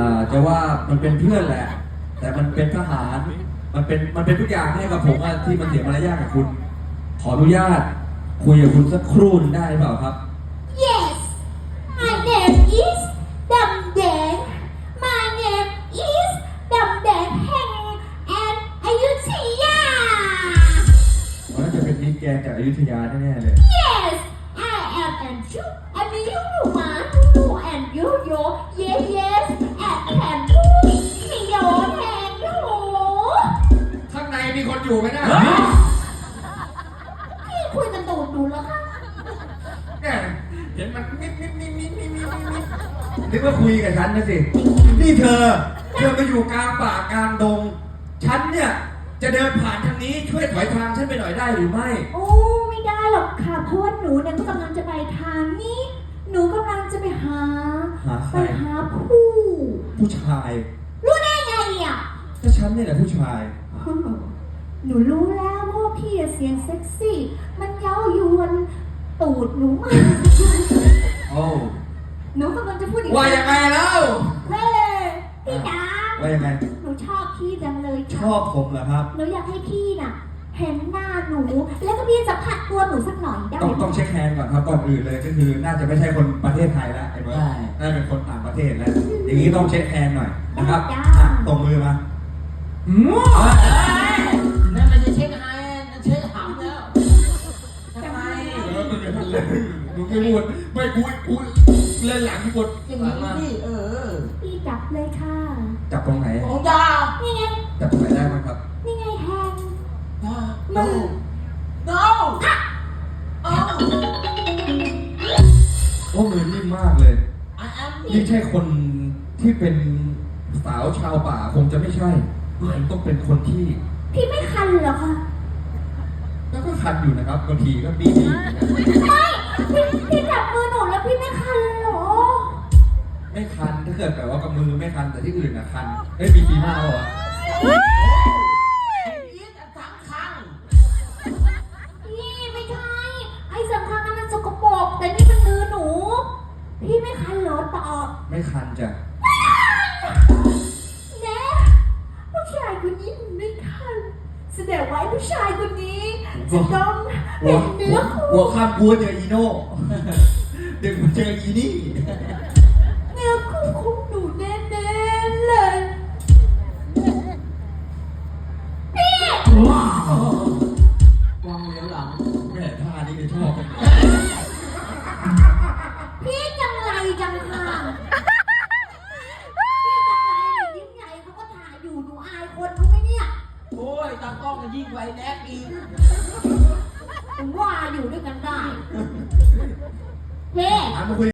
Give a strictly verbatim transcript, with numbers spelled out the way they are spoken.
อ่าจะว่ามันเป็นเพื่อนแหละ แต่มันเป็นทหารมันเป็นมันเป็นทุกอย่างให้กับผมอะที่มันเสียมารยาทกับคุณ ขออนุญาตคุยกับคุณสักครู่นึงได้เปล่าครับ Yes my name is ดำแดง my name is ดำแดงแห่งแอนอยุธยามันน่าจะเป็นมิตรแกนจากอยุธยาแน่ๆเลย Yes I am and you and you man you and you yo yes yes and can you มีโยแทนหนูข้างในมีคนอยู่ไหมนะพี่คุยกันตูดดูแล้วค่ะเนี่ยเห็นมันนิดนิดนิดนิดนิดนิดนิดนึกว่าคุยกับฉันนะสิ นี่เธอ เธอมาอยู่กลางป่ากลางดง ฉันเนี่ยจะเดินผ่านทางนี้ช่วยถอยทางฉันไปหน่อยได้หรือไม่โอ้ไม่ได้หรอกค่ะเพราะว่าหนูเนี่ยก็กำลังจะไปทางนี้ หนูกำลังจะไปหาหาใคไปรหาผู้ผู้ชายรู้ได้ไงอ่ะก็ฉันเนี่ยแหละผู้ชายหนูรู้แล้วเพราะว่าพี่เสียงเซ็กซี่ มันเย้ายวนตูดหนูมากโอ้หนูกำลังจะพูดอีกว่ายังไงแล้วเฮ้ยพี่จ๋าว่ายังไงหนูชอบพี่จังเลยชค่ะอบผมเหรอครับหนูอยากให้พี่น่ะ เห็นหน้าหนู แล้วก็พี่สัมผัสตัวหนูสักหน่อยได้ต้องไหมต้องเช็คแฮนด์ก่อนครับก่อนอื่นเลยก็คือน่าจะไม่ใช่คนประเทศไทยแล้วไอ้เบิร์ดน่าจะเป็นคนต่างประเทศแล้ว อย่างนี้ต้องเช็คแฮนด์หน่อยนะครับอ่ะตรงมือมาอืมนั่นมันจะเช็คไฮนั่นเช็คหำแล้วทำไมเออมึงอย่าทำเลยมึงไม่พูดไม่กูกูเล่นหลังกดอย่างนี้สิเออพี่จับเลยค่ะจับตรงไหนของยานี่ไงจับตรงไหนได้บ้างครับนี่ไงแฮนด์ no no โอ้โอ้มือนิ่มมากเลย I am นี่ใช่คนที่เป็นสาวชาวป่าคงจะไม่ใช่มันต้องเป็นคนที่พี่ไม่คันเหรอคะแล้วก็คันอยู่นะครับบางทีก็บีบีเหมือนกันไม่พี่พี่จับมือหนูแล้วพี่ไม่คันเลยเหรอไม่คันถ้าเกิดแบบว่ากับมือไม่คันแต่ที่อื่นนะคันเฮ้ยบีบีมากเหรออีทสังคังพี่ไม่ใช่ไอ้สำคัญนั้นมันสกปรกแต่นี่มันมือหนู พี่ไม่คันเหรอตอบไม่คันจ้ะแนะผู้ชายคนนี้มันไม่คันแสดงว่าไอ้ผู้ชายคนนี้จะต้องหัเป็วนเนื้อหัคู่วข้ามกลัวเจออีโน่ดึงมาเจออีนี่เนื้อคู่ของหนูแน่ๆเลยพี่วางเหลียวหลังแม่ท่านี้เลยชอบพี่จังไรจังค่ะพี่จังไรยิ่งใหญ่เขาก็ถ่ายอยู่หนูอายคนเขาไหมเนี่ยโอ้ยตากล้องก็ยิ่งไวแน็กอีกผมว่าอยู่ด้วยกันได้เฮ้ถามมาคุย